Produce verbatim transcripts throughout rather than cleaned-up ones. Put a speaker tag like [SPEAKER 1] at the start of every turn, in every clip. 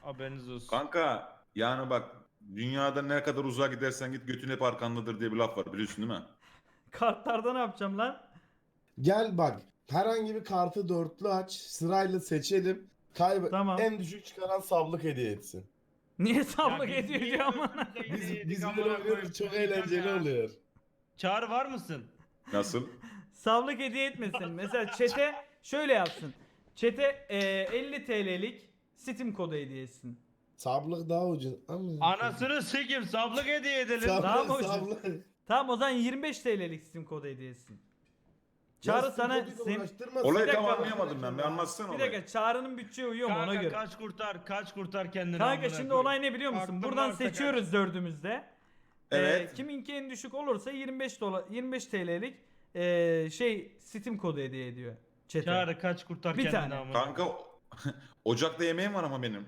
[SPEAKER 1] Haberiniz olsun.
[SPEAKER 2] Kanka yani bak dünyada ne kadar uzağa gidersen git götün hep arkandadır diye bir laf var biliyorsun değil mi?
[SPEAKER 3] Kartlarda ne yapacağım lan?
[SPEAKER 4] Gel bak. Herhangi bir kartı dörtlü aç. Sırayla seçelim. Kaybet.
[SPEAKER 3] Tamam.
[SPEAKER 4] En düşük çıkaran sablık hediye etsin.
[SPEAKER 3] Niye sablık
[SPEAKER 1] biz
[SPEAKER 3] ediyor
[SPEAKER 1] niye
[SPEAKER 3] diyor ama.
[SPEAKER 1] götümüze
[SPEAKER 4] Biz,
[SPEAKER 1] yedik
[SPEAKER 4] biz
[SPEAKER 1] amına
[SPEAKER 4] böyle oynuyoruz.
[SPEAKER 1] koyayım?
[SPEAKER 4] Çok
[SPEAKER 1] Diyeceğim
[SPEAKER 4] eğlenceli
[SPEAKER 1] ya.
[SPEAKER 4] oluyor.
[SPEAKER 1] Çağrı var mısın?
[SPEAKER 2] Nasıl?
[SPEAKER 3] Sablık hediye etmesin. Mesela çete şöyle yapsın. Çete e, elli T L'lik Steam kodu hediye etsin.
[SPEAKER 4] Sablık daha ucuz. Ama...
[SPEAKER 1] Anasını sikim sablık hediye edelim.
[SPEAKER 4] Sablık,
[SPEAKER 3] Daha mı ucuz?
[SPEAKER 4] sablık.
[SPEAKER 3] Tamam o zaman yirmi beş T L'lik Steam kodu hediye etsin.
[SPEAKER 4] Ya
[SPEAKER 3] Çağrı
[SPEAKER 4] siz
[SPEAKER 3] sana
[SPEAKER 4] koduyla
[SPEAKER 3] sen...
[SPEAKER 4] uğraştırma.
[SPEAKER 2] Olayı
[SPEAKER 3] Bir
[SPEAKER 2] tam
[SPEAKER 3] dakika.
[SPEAKER 2] anlayamadım ben. Bir anlatsana
[SPEAKER 3] Bir
[SPEAKER 2] olayı.
[SPEAKER 3] dakika Çağrı'nın bütçeye uyuyor mu ona
[SPEAKER 1] Kanka
[SPEAKER 3] göre.
[SPEAKER 1] kaç kurtar kaç kurtar kendini.
[SPEAKER 3] Kanka
[SPEAKER 1] amına
[SPEAKER 3] şimdi
[SPEAKER 1] koyayım.
[SPEAKER 3] olay ne biliyor musun?
[SPEAKER 1] Kartın
[SPEAKER 3] Buradan
[SPEAKER 1] varsa
[SPEAKER 3] seçiyoruz dördümüzde.
[SPEAKER 2] Evet.
[SPEAKER 3] Ee, kiminki en düşük olursa yirmi beş dolar yirmi beş T L'lik ee, şey Steam kodu hediye ediyor.
[SPEAKER 1] kaç.
[SPEAKER 3] Çete.
[SPEAKER 1] Çağrı kaç kurtar
[SPEAKER 3] Bir
[SPEAKER 1] kendini
[SPEAKER 3] tane.
[SPEAKER 1] amına.
[SPEAKER 2] Kanka ocakta yemeğim var ama benim.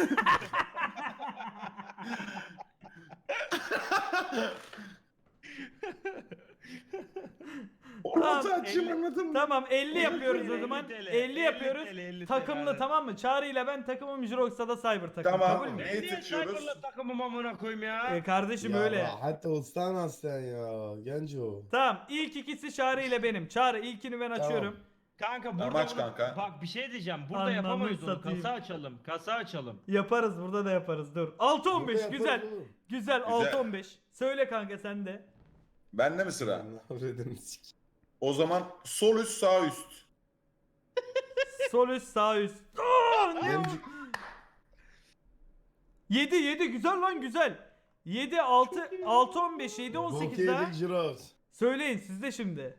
[SPEAKER 2] Orası
[SPEAKER 3] Tamam,
[SPEAKER 2] açayım
[SPEAKER 1] elli-
[SPEAKER 2] anladın mı?
[SPEAKER 3] Tamam elli yapıyoruz o
[SPEAKER 1] elli
[SPEAKER 3] zaman.
[SPEAKER 1] T L,
[SPEAKER 3] elli yapıyoruz.
[SPEAKER 1] elli T L, elli T L,
[SPEAKER 3] Takımlı
[SPEAKER 1] aynen.
[SPEAKER 3] tamam mı? Çağrı ile ben takımım Jirox'a da Cyber takım.
[SPEAKER 2] Tamam.
[SPEAKER 3] Kabul mü?
[SPEAKER 2] Ne?
[SPEAKER 1] Ben niye
[SPEAKER 2] seçiyoruz?
[SPEAKER 1] Cyber'la takımım amına koyayım ya?
[SPEAKER 3] Ee, kardeşim
[SPEAKER 4] Ya
[SPEAKER 3] öyle.
[SPEAKER 4] Hatta ustan sen ya. Genco.
[SPEAKER 3] Tamam ilk ikisi Çağrı ile benim. Çağrı ilkini ben
[SPEAKER 4] Tamam.
[SPEAKER 3] açıyorum.
[SPEAKER 1] Kanka burada
[SPEAKER 2] Tamam, aç
[SPEAKER 1] bunu-
[SPEAKER 2] kanka.
[SPEAKER 1] bak bir şey diyeceğim. Burada
[SPEAKER 3] Anlamı
[SPEAKER 1] yapamayız onu.
[SPEAKER 3] satayım.
[SPEAKER 1] Kasa açalım. Kasa açalım.
[SPEAKER 3] Yaparız burada da yaparız dur. altı on beş
[SPEAKER 4] Burada
[SPEAKER 3] güzel.
[SPEAKER 4] yaparız oğlum.
[SPEAKER 3] Güzel altı on beş. Söyle kanka sen de.
[SPEAKER 2] Bende mi sıra?
[SPEAKER 4] Allah öğredim sik.
[SPEAKER 2] O zaman sol üst sağ üst.
[SPEAKER 3] Sol üst sağ üst. Aa, ne?
[SPEAKER 4] Genco.
[SPEAKER 3] yedi yedi güzel lan güzel. yedi altı altı on beş yedi on sekiz daha.
[SPEAKER 4] Bokyedik Jirox.
[SPEAKER 3] Söyleyin siz de şimdi.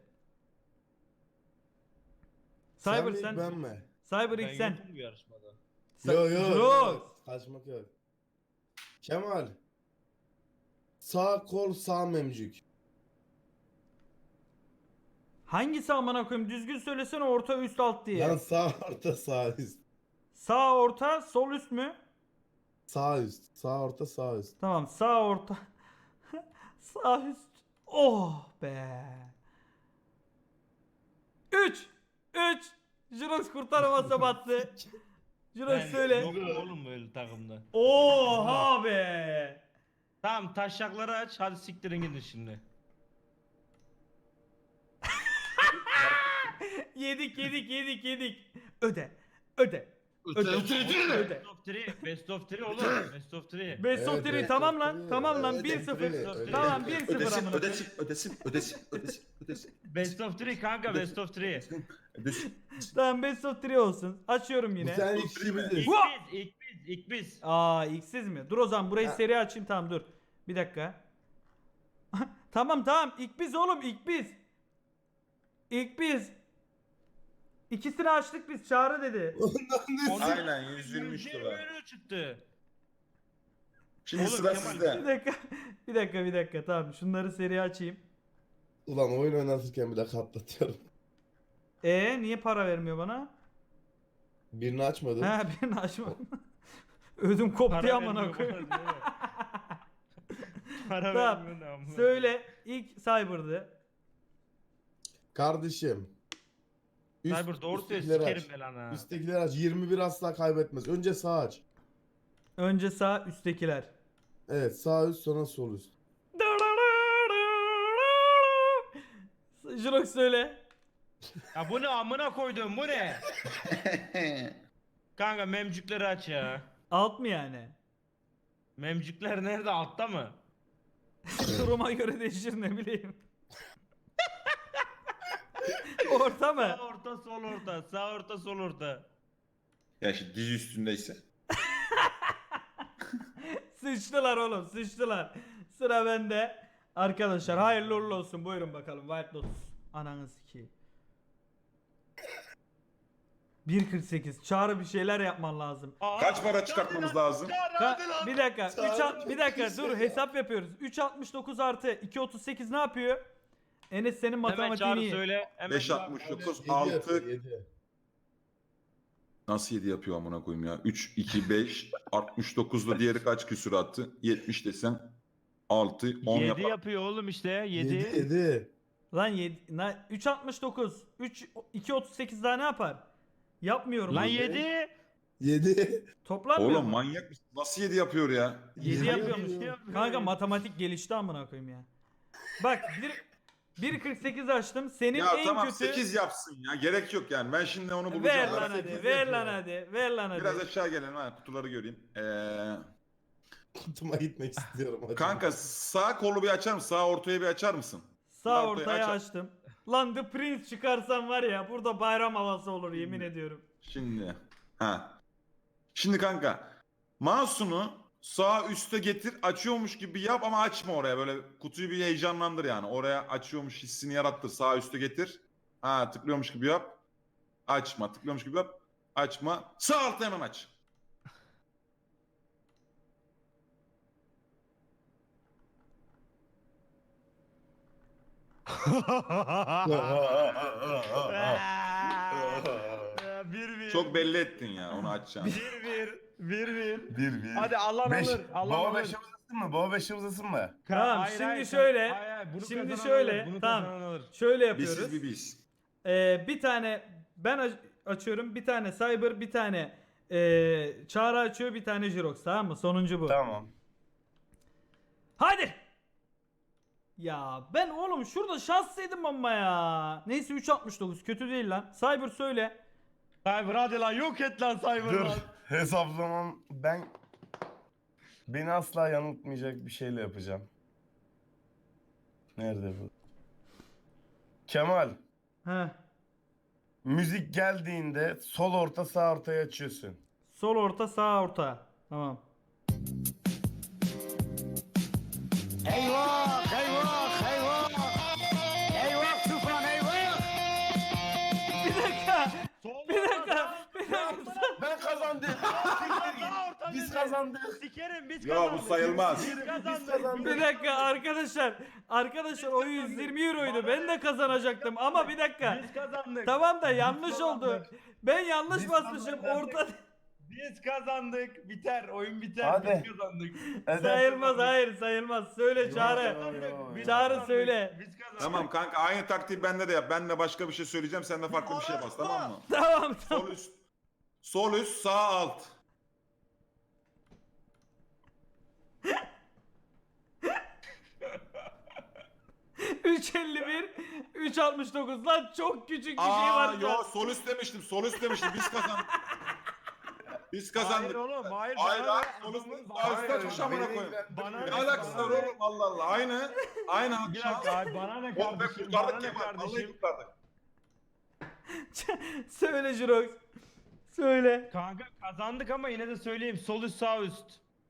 [SPEAKER 4] Sen
[SPEAKER 3] Cyber
[SPEAKER 4] mi
[SPEAKER 3] sen.
[SPEAKER 4] ben mi?
[SPEAKER 3] Cyber
[SPEAKER 1] Ben
[SPEAKER 3] ilk sen.
[SPEAKER 1] yokum bu yarışmada.
[SPEAKER 3] Sen-
[SPEAKER 4] Yo yo.
[SPEAKER 3] Jirox.
[SPEAKER 4] Kaçmak yok. Kemal. Sağ kol sağ memcük.
[SPEAKER 3] Hangisi amına koyayım? Düzgün söylesene orta üst alt diye.
[SPEAKER 4] Lan sağ orta sağ üst.
[SPEAKER 3] Sağ orta sol üst mü?
[SPEAKER 4] Sağ üst. Sağ orta sağ üst.
[SPEAKER 3] Tamam sağ orta. Sağ üst. Oh be. üç. üç. Jirox kurtaramazsa battı. Jirox
[SPEAKER 1] Ben
[SPEAKER 3] söyle.
[SPEAKER 1] yokum oğlum böyle takımda.
[SPEAKER 3] Oha be.
[SPEAKER 1] Tamam taşakları aç. Hadi siktirin gidin şimdi.
[SPEAKER 3] Yedik yedik yedik yedik. Öde. Öde. Öde. Öde.
[SPEAKER 1] Best of three. Best of three oğlum. Best of three.
[SPEAKER 3] Best of
[SPEAKER 4] Evet,
[SPEAKER 3] three
[SPEAKER 4] evet,
[SPEAKER 3] tamam
[SPEAKER 4] evet,
[SPEAKER 3] lan.
[SPEAKER 4] evet.
[SPEAKER 3] Tamam lan
[SPEAKER 4] Evet,
[SPEAKER 3] bir
[SPEAKER 4] evet,
[SPEAKER 3] sıfır.
[SPEAKER 4] evet, evet.
[SPEAKER 3] Tamam bir sıfır
[SPEAKER 2] Ödesin,
[SPEAKER 3] amına.
[SPEAKER 2] ödesin, ödesin, ödesin, ödesin, ödesin,
[SPEAKER 1] Best of three kanka best of three.
[SPEAKER 2] ödesin.
[SPEAKER 3] Tamam best of three olsun. Açıyorum
[SPEAKER 4] Bu
[SPEAKER 3] yine.
[SPEAKER 4] sen
[SPEAKER 2] Bu
[SPEAKER 4] ikimiziz.
[SPEAKER 1] İlk
[SPEAKER 3] Vua!
[SPEAKER 1] biz, ilk biz, ilk biz.
[SPEAKER 3] Aa x'siz mi? Dur o zaman burayı
[SPEAKER 4] Ha.
[SPEAKER 3] seri açayım tamam dur. Bir dakika. Tamam tamam ilk biz oğlum ilk biz. İlk biz. İkisini açtık biz Çağrı dedi.
[SPEAKER 2] Aynen yüz yirmi üç dolar.
[SPEAKER 1] euro çıktı.
[SPEAKER 2] Şimdi
[SPEAKER 1] Oğlum,
[SPEAKER 2] sıra
[SPEAKER 1] Kemal,
[SPEAKER 3] Bir
[SPEAKER 2] sizde.
[SPEAKER 3] dakika. Bir dakika bir dakika tamam şunları seri açayım.
[SPEAKER 4] Ulan oyun oynatırken bile katlatıyorum.
[SPEAKER 3] E niye para vermiyor bana?
[SPEAKER 4] Birini açmadın.
[SPEAKER 3] He birini açma. Ödüm koptu
[SPEAKER 1] Para
[SPEAKER 3] ya amına
[SPEAKER 1] vermiyor
[SPEAKER 3] koyayım.
[SPEAKER 1] bana, değil mi? Para
[SPEAKER 3] Tamam.
[SPEAKER 1] vermiyor ne amına.
[SPEAKER 3] Söyle ilk Cyber'dı.
[SPEAKER 4] Kardeşim. Üst-
[SPEAKER 1] Cyber doğru söyle
[SPEAKER 4] üsttekileri
[SPEAKER 1] sikerim
[SPEAKER 4] aç.
[SPEAKER 1] ben lan ha.
[SPEAKER 4] Üsttekileri aç. yirmi bir asla kaybetmez. Önce sağ aç.
[SPEAKER 3] Önce sağ üsttekiler.
[SPEAKER 4] Evet sağ üst sonra sol üst.
[SPEAKER 3] Jirox söyle.
[SPEAKER 1] Ya bu ne amına koydum bu ne? Kanka memcükleri aç ya.
[SPEAKER 3] Alt mı yani?
[SPEAKER 1] Memcükler nerede altta mı?
[SPEAKER 3] Duruma göre değişir ne bileyim. Orta mı?
[SPEAKER 1] Sağ orta sol orta sağ orta sol orta.
[SPEAKER 2] Ya şimdi dizi üstündeyse.
[SPEAKER 3] Sıçtılar oğlum sıçtılar. Sıra bende. Arkadaşlar hayırlı uğurlu olsun. Buyurun bakalım White Lotus. Ananı sikeyim. bir kırk sekiz. Çağrı bir şeyler yapman lazım.
[SPEAKER 1] Aa,
[SPEAKER 2] Kaç para çıkartmamız lazım?
[SPEAKER 3] Ka- bir dakika. üç
[SPEAKER 4] Çağrı
[SPEAKER 3] alt- bir dakika
[SPEAKER 4] çok
[SPEAKER 3] dur
[SPEAKER 4] iyi.
[SPEAKER 3] hesap yapıyoruz. üç altmış dokuz artı iki otuz sekiz ne yapıyor? Enes senin
[SPEAKER 1] Hemen
[SPEAKER 3] matematiğini
[SPEAKER 1] çağrı
[SPEAKER 3] iyi.
[SPEAKER 1] söyle. Hemen
[SPEAKER 2] beş
[SPEAKER 1] çağrı.
[SPEAKER 2] altmış dokuz,
[SPEAKER 4] yedi yapıyor,
[SPEAKER 2] altı.
[SPEAKER 4] yedi.
[SPEAKER 2] Nasıl yedi yapıyor amına koyayım ya? üç, iki, beş, altmış dokuzda diğeri kaç küsür attı? yetmiş desem altı, on
[SPEAKER 1] yedi
[SPEAKER 2] yapar.
[SPEAKER 1] yapıyor oğlum işte
[SPEAKER 4] yedi.
[SPEAKER 1] yedi.
[SPEAKER 4] yedi.
[SPEAKER 3] Lan yedi, na- üç altmış dokuz. üç iki otuz sekiz daha ne yapar? Yapmıyorum.
[SPEAKER 1] Lan
[SPEAKER 3] bunu.
[SPEAKER 1] yedi.
[SPEAKER 4] yedi.
[SPEAKER 3] Toplanmıyor
[SPEAKER 2] Oğlum
[SPEAKER 3] mu?
[SPEAKER 2] manyak mısın? Nasıl yedi yapıyor ya?
[SPEAKER 3] yedi yapıyormuş.
[SPEAKER 4] yapıyor.
[SPEAKER 3] Kanka matematik gelişti amına koyayım ya. Bak bir bir kırk sekiz açtım. Senin
[SPEAKER 2] Ya
[SPEAKER 3] en
[SPEAKER 2] tamam
[SPEAKER 3] kötü
[SPEAKER 2] sekiz yapsın ya. Gerek yok yani. Ben şimdi onu bulacağım.
[SPEAKER 3] ver
[SPEAKER 2] Ben
[SPEAKER 3] lan hadi.
[SPEAKER 2] sekiz
[SPEAKER 3] Ver
[SPEAKER 2] yapıyorum.
[SPEAKER 3] lan hadi. Ver lan hadi.
[SPEAKER 2] Biraz aşağı gelelim ha kutuları göreyim. Ee,
[SPEAKER 4] Kutuma gitmek istiyorum. Hadi.
[SPEAKER 2] kanka sağ kolu bir açar mısın? Sağ ortaya bir açar mısın?
[SPEAKER 3] Sağ
[SPEAKER 2] ortaya
[SPEAKER 3] ortaya
[SPEAKER 2] aç-
[SPEAKER 3] açtım. Lan The Prince çıkarsam var ya burada bayram havası olur yemin ediyorum.
[SPEAKER 2] Şimdi. Ha. Şimdi kanka. Mouse'unu sağ üste getir açıyormuş gibi yap ama açma oraya böyle kutuyu bir heyecanlandır yani. Oraya açıyormuş hissini yarattır. Sağ üste getir. Ha tıklıyormuş gibi yap. Açma tıklıyormuş gibi yap. Açma. Sağ altta hemen aç.
[SPEAKER 1] Bir bir.
[SPEAKER 2] Çok belli ettin ya onu açacağını.
[SPEAKER 1] Bir bir. Bir bir.
[SPEAKER 5] Bir bir.
[SPEAKER 1] Hadi Allah
[SPEAKER 5] Beş.
[SPEAKER 1] alır. Allah
[SPEAKER 5] Baba
[SPEAKER 1] alır.
[SPEAKER 5] beşe uzasın mı? Baba beşe uzasın mı?
[SPEAKER 3] Tamam,
[SPEAKER 1] Hayır,
[SPEAKER 3] şimdi
[SPEAKER 1] hayır,
[SPEAKER 3] şöyle,
[SPEAKER 1] hayır, hayır, bunu
[SPEAKER 3] şimdi
[SPEAKER 1] kazanan
[SPEAKER 3] şöyle,
[SPEAKER 1] alır, bunu
[SPEAKER 3] tamam.
[SPEAKER 1] kazanan alır.
[SPEAKER 3] Şöyle yapıyoruz.
[SPEAKER 2] Bizsiz bir biz.
[SPEAKER 3] Ee, bir tane ben aç- açıyorum, bir tane Cyber, bir tane ee, Çağrı açıyor, bir tane Jirox, tamam mı? Sonuncu bu.
[SPEAKER 5] Tamam.
[SPEAKER 3] Hadi. Ya ben oğlum şurada şanslıydım ama ya. Neyse üç altmış dokuz kötü değil lan. Cyber söyle.
[SPEAKER 1] Cyber hadi lan yok et lan Cyber
[SPEAKER 5] Dur.
[SPEAKER 1] lan.
[SPEAKER 5] Hesaplamam ben beni asla yanıltmayacak bir şeyle yapacağım. Nerede bu? Kemal,
[SPEAKER 3] Heh.
[SPEAKER 5] müzik geldiğinde sol orta sağ ortayı açıyorsun.
[SPEAKER 3] Sol orta, sağ orta. Tamam.
[SPEAKER 6] Eyvah, eyvah, eyvah. Eyvah Tufan, eyvah.
[SPEAKER 3] Bir dakika.
[SPEAKER 1] Sol
[SPEAKER 3] Bir dakika. Bir dakika.
[SPEAKER 5] Ben kazandım. Biz kazandık.
[SPEAKER 1] Sikerim biz
[SPEAKER 2] Ya
[SPEAKER 1] kazandık.
[SPEAKER 2] bu sayılmaz.
[SPEAKER 1] Biz kazandık.
[SPEAKER 5] kazandık.
[SPEAKER 3] Bir dakika arkadaşlar. Arkadaşlar o yüz yirmi euroydu. Ben de kazanacaktım ama bir dakika.
[SPEAKER 1] Biz kazandık.
[SPEAKER 3] Tamam da yanlış oldu.
[SPEAKER 1] kazandık.
[SPEAKER 3] Ben yanlış
[SPEAKER 5] Biz
[SPEAKER 3] basmışım.
[SPEAKER 5] kazandık.
[SPEAKER 3] Orta
[SPEAKER 1] Biz kazandık. Biter. Oyun biter.
[SPEAKER 5] Hadi.
[SPEAKER 1] Biz kazandık.
[SPEAKER 3] sayılmaz. Hayır sayılmaz. Söyle Çağrı.
[SPEAKER 1] Biz
[SPEAKER 3] Çağrı
[SPEAKER 1] kazandık.
[SPEAKER 3] söyle.
[SPEAKER 1] Biz kazandık.
[SPEAKER 2] Tamam kanka aynı taktiği bende de yap. Ben de başka bir şey söyleyeceğim. Sen de farklı bir şey bas tamam mı?
[SPEAKER 3] Tamam tamam.
[SPEAKER 2] Sol üst. Sol üst sağ alt.
[SPEAKER 3] üç elli bir, üç altmış dokuz lan çok küçük bir şey
[SPEAKER 2] Aa
[SPEAKER 3] var şu
[SPEAKER 2] yo
[SPEAKER 3] an.
[SPEAKER 2] sol üst demiştim. Sol üst demiştim. Biz kazandık. Biz kazandık.
[SPEAKER 1] Hayır oğlum hayır.
[SPEAKER 2] Hayır
[SPEAKER 1] bana
[SPEAKER 2] lan
[SPEAKER 1] ver,
[SPEAKER 2] sol üst
[SPEAKER 1] adamın-
[SPEAKER 2] sağ üst
[SPEAKER 1] Hayır,
[SPEAKER 2] açmış amına
[SPEAKER 5] beni
[SPEAKER 2] koyayım.
[SPEAKER 1] Bana
[SPEAKER 2] Ne
[SPEAKER 1] ver,
[SPEAKER 2] alakası
[SPEAKER 1] bana
[SPEAKER 2] var
[SPEAKER 1] ver.
[SPEAKER 2] oğlum Allah Allah. Aynı. Aynı
[SPEAKER 1] Bir
[SPEAKER 2] akşam.
[SPEAKER 1] dakika abi bana ne
[SPEAKER 2] Oh be
[SPEAKER 1] kardeşim? Bana
[SPEAKER 2] kurtardık
[SPEAKER 1] ne
[SPEAKER 2] Kemal. Vallahi
[SPEAKER 1] kardeşim?
[SPEAKER 2] kurtardık.
[SPEAKER 3] Söyle Jirox. Söyle.
[SPEAKER 1] Kanka kazandık ama yine de söyleyeyim. Sol üst sağ üst.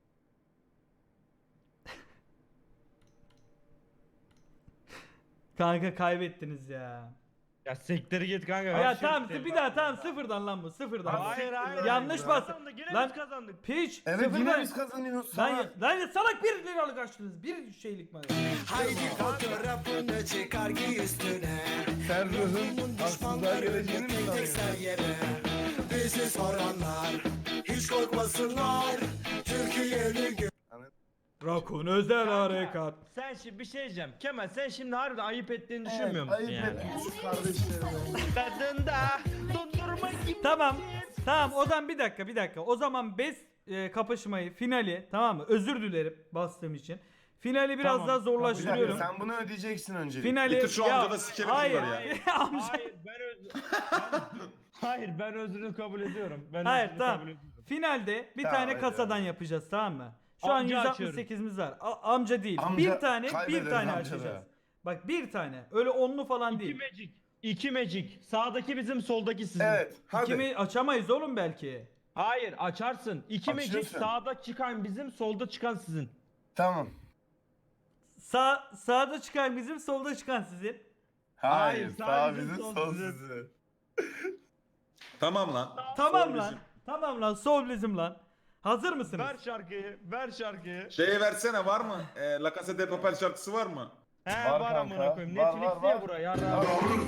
[SPEAKER 3] Kanka kaybettiniz ya.
[SPEAKER 1] Ya sekteri git kanka.
[SPEAKER 3] Ya
[SPEAKER 1] her şey
[SPEAKER 3] tamam
[SPEAKER 1] senin.
[SPEAKER 3] bir daha tamam sıfırdan lan bu sıfırdan.
[SPEAKER 1] Hayır hayır.
[SPEAKER 3] Yanlış
[SPEAKER 1] Biz
[SPEAKER 3] bas.
[SPEAKER 1] kazandık, Yine
[SPEAKER 3] Lan-
[SPEAKER 1] biz kazandık.
[SPEAKER 3] Piç
[SPEAKER 5] Evet
[SPEAKER 3] sıfırdan.
[SPEAKER 5] yine biz kazanıyoruz.
[SPEAKER 3] Lan,
[SPEAKER 5] Salak.
[SPEAKER 3] lan ya salak bir liralık açtınız. Bir şeylik mi?
[SPEAKER 6] Haydi fotoğrafını çıkar giy üstüne.
[SPEAKER 5] Sen ruhun aslında geleceğini mi
[SPEAKER 6] Tek tek
[SPEAKER 5] sanıyorsun?
[SPEAKER 6] ser yere. Bizi soranlar hiç korkmasınlar. Türkiye'nin gö-
[SPEAKER 3] Rakun özel harekat.
[SPEAKER 1] Sen şimdi bir şey diyeceğim. Kemal sen şimdi harbiden ayıp ettiğini düşünmüyor musun
[SPEAKER 5] Ayıp
[SPEAKER 1] yani?
[SPEAKER 5] etmiş kardeşlerime.
[SPEAKER 1] Tadında dondurma gibi.
[SPEAKER 3] Tamam. Tamam o zaman bir dakika bir dakika. O zaman best e, kapışmayı finali tamam mı? Özür dilerim bastığım için. Finali biraz
[SPEAKER 1] Tamam,
[SPEAKER 3] daha
[SPEAKER 5] Bir dakika,
[SPEAKER 3] zorlaştırıyorum.
[SPEAKER 5] sen bunu ödeyeceksin öncelikle.
[SPEAKER 3] Finali
[SPEAKER 2] Getir şu amca da sikerim
[SPEAKER 3] hayır.
[SPEAKER 2] bunları ya.
[SPEAKER 3] Amca-
[SPEAKER 1] Hayır ben öz... Hayır ben özrünü kabul ediyorum. Ben
[SPEAKER 3] Hayır
[SPEAKER 1] özrünü
[SPEAKER 3] tamam.
[SPEAKER 1] kabul ediyorum.
[SPEAKER 3] Finalde bir
[SPEAKER 5] Tamam,
[SPEAKER 3] tane
[SPEAKER 5] hadi,
[SPEAKER 3] kasadan
[SPEAKER 5] hadi.
[SPEAKER 3] yapacağız tamam mı? Şu an
[SPEAKER 1] Amca
[SPEAKER 3] yüz altmış sekizimiz var. A- amca değil.
[SPEAKER 5] Amca
[SPEAKER 3] bir tane bir
[SPEAKER 5] kaybederiz
[SPEAKER 3] tane
[SPEAKER 5] amca da.
[SPEAKER 3] açacağız. Bak bir tane. Öyle onlu falan
[SPEAKER 1] İki
[SPEAKER 3] değil.
[SPEAKER 1] magic. İki magic. Sağdaki bizim soldaki sizin.
[SPEAKER 5] Evet hadi.
[SPEAKER 3] Kimi açamayız oğlum belki.
[SPEAKER 1] Hayır açarsın. İki magic
[SPEAKER 5] Açıyorsun.
[SPEAKER 1] sağda çıkan bizim solda çıkan sizin.
[SPEAKER 5] Tamam.
[SPEAKER 3] Sağ sağda çıkan bizim, solda çıkan sizin.
[SPEAKER 5] Hayır,
[SPEAKER 1] Hayır,
[SPEAKER 5] sağ
[SPEAKER 1] sağ
[SPEAKER 5] bizim
[SPEAKER 1] bizim,
[SPEAKER 5] sol
[SPEAKER 1] sol bizim.
[SPEAKER 5] sizin.
[SPEAKER 2] Tamam lan.
[SPEAKER 3] Tamam
[SPEAKER 2] Sol
[SPEAKER 3] lan.
[SPEAKER 2] bizim.
[SPEAKER 3] Tamam lan. Sol bizim lan. Hazır mısınız?
[SPEAKER 1] Ver şarkıyı. Ver şarkıyı.
[SPEAKER 2] Şeyi versene var mı? E, La Casa de Papel şarkısı var mı?
[SPEAKER 1] He
[SPEAKER 5] Var
[SPEAKER 1] var,
[SPEAKER 5] kanka.
[SPEAKER 1] amına koyayım.
[SPEAKER 5] Var,
[SPEAKER 1] Netflix'te
[SPEAKER 5] var,
[SPEAKER 1] ya
[SPEAKER 5] var.
[SPEAKER 1] bura yarra.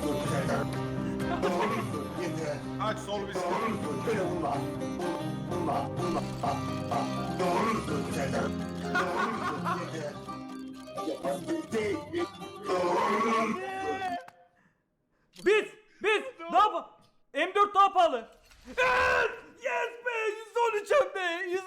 [SPEAKER 2] Aç sol bizim.
[SPEAKER 3] Biz biz daha pa- M dört daha pahalı. Evet! Yes be!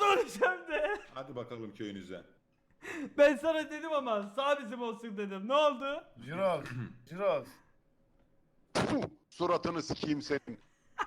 [SPEAKER 3] öleceğim de.
[SPEAKER 2] Hadi bakalım köyünüze.
[SPEAKER 3] Ben sana dedim ama sağ bizim olsun dedim. Ne oldu?
[SPEAKER 5] Jirox. Jirox.
[SPEAKER 7] Puh, suratını sikeyim senin.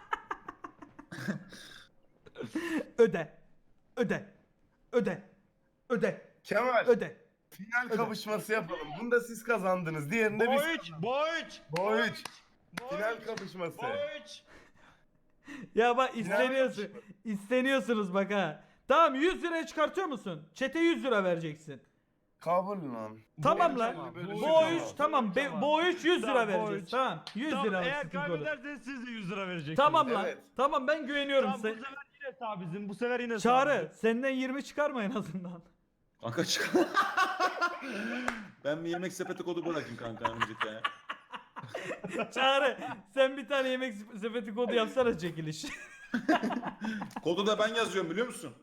[SPEAKER 3] Öde. Öde. Öde. Öde.
[SPEAKER 5] Kemal.
[SPEAKER 3] Öde.
[SPEAKER 5] Final
[SPEAKER 3] Öde.
[SPEAKER 5] kapışması yapalım. Bunda siz kazandınız. Diğerinde biz.
[SPEAKER 1] Boyç, boyç,
[SPEAKER 5] Boyç. Final kapışması.
[SPEAKER 1] boyç.
[SPEAKER 3] Ya bak isteniyorsun. İsteniyorsunuz bak ha. Tamam yüz liraya çıkartıyor musun? Çete yüz lira vereceksin.
[SPEAKER 5] Kabul lan.
[SPEAKER 3] Tamam
[SPEAKER 5] Boyç
[SPEAKER 3] lan.
[SPEAKER 5] ama, böyle
[SPEAKER 3] Bu
[SPEAKER 5] şey
[SPEAKER 3] o üç
[SPEAKER 5] tamam.
[SPEAKER 3] tamam. Be, bu o üç yüz lira
[SPEAKER 1] Tamam,
[SPEAKER 3] vereceğiz.
[SPEAKER 1] boyç.
[SPEAKER 3] Tamam. yüz
[SPEAKER 1] Tamam,
[SPEAKER 3] lira.
[SPEAKER 1] eğer
[SPEAKER 3] sıkıntı olur.
[SPEAKER 1] kaybederseniz siz de yüz lira vereceksiniz.
[SPEAKER 3] Tamam lan.
[SPEAKER 5] Evet.
[SPEAKER 3] Tamam ben güveniyorum.
[SPEAKER 1] Tamam, bu
[SPEAKER 3] Sen...
[SPEAKER 1] sefer yine sağ bizim. Bu sefer yine sağ
[SPEAKER 3] Çağrı
[SPEAKER 1] bizim.
[SPEAKER 3] senden yirmi çıkarma en azından.
[SPEAKER 2] Kanka çık. Ben bir yemek sepeti kodu bırakayım kanka önümüzdeki aya.
[SPEAKER 3] Çağrı sen bir tane yemek sepeti kodu yapsana çekiliş.
[SPEAKER 2] Kodu da ben yazıyorum biliyor musun?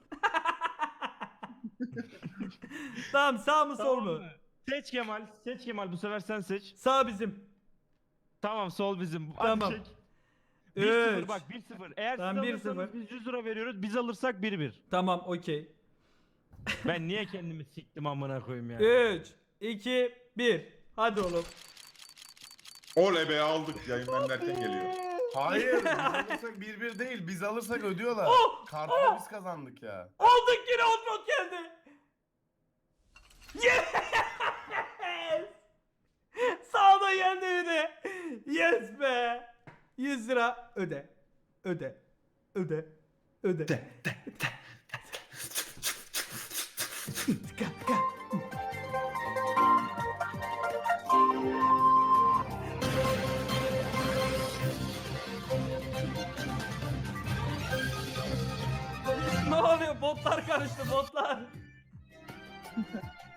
[SPEAKER 3] Tamam sağ mı sol
[SPEAKER 1] Tamam
[SPEAKER 3] mu?
[SPEAKER 1] mı? Seç Kemal. Seç Kemal. Bu sefer sen seç.
[SPEAKER 3] Sağ bizim.
[SPEAKER 1] Tamam sol bizim.
[SPEAKER 3] Tamam.
[SPEAKER 1] Hadi çek. bir sıfır
[SPEAKER 3] Üç.
[SPEAKER 1] bak bir sıfır. Eğer
[SPEAKER 3] Tamam, bir
[SPEAKER 1] siz alırsanız
[SPEAKER 3] sıfır.
[SPEAKER 1] biz yüz lira veriyoruz. Biz alırsak bir bir.
[SPEAKER 3] Tamam okey.
[SPEAKER 1] Ben niye kendimi siktim amına koyayım ya.
[SPEAKER 3] üç, iki, bir. Hadi oğlum.
[SPEAKER 2] Oley be aldık yayın benlerken geliyor.
[SPEAKER 5] Hayır. Biz alırsak bir bir değil. Biz alırsak ödüyorlar.
[SPEAKER 3] Oh!
[SPEAKER 5] Kartla biz kazandık ya.
[SPEAKER 3] Aldık yine Outroad geldi. Yes! Sağda geldi yine. Yes be. yüz lira öde. Öde. Öde. Öde. Ne oluyor? Botlar karıştı botlar.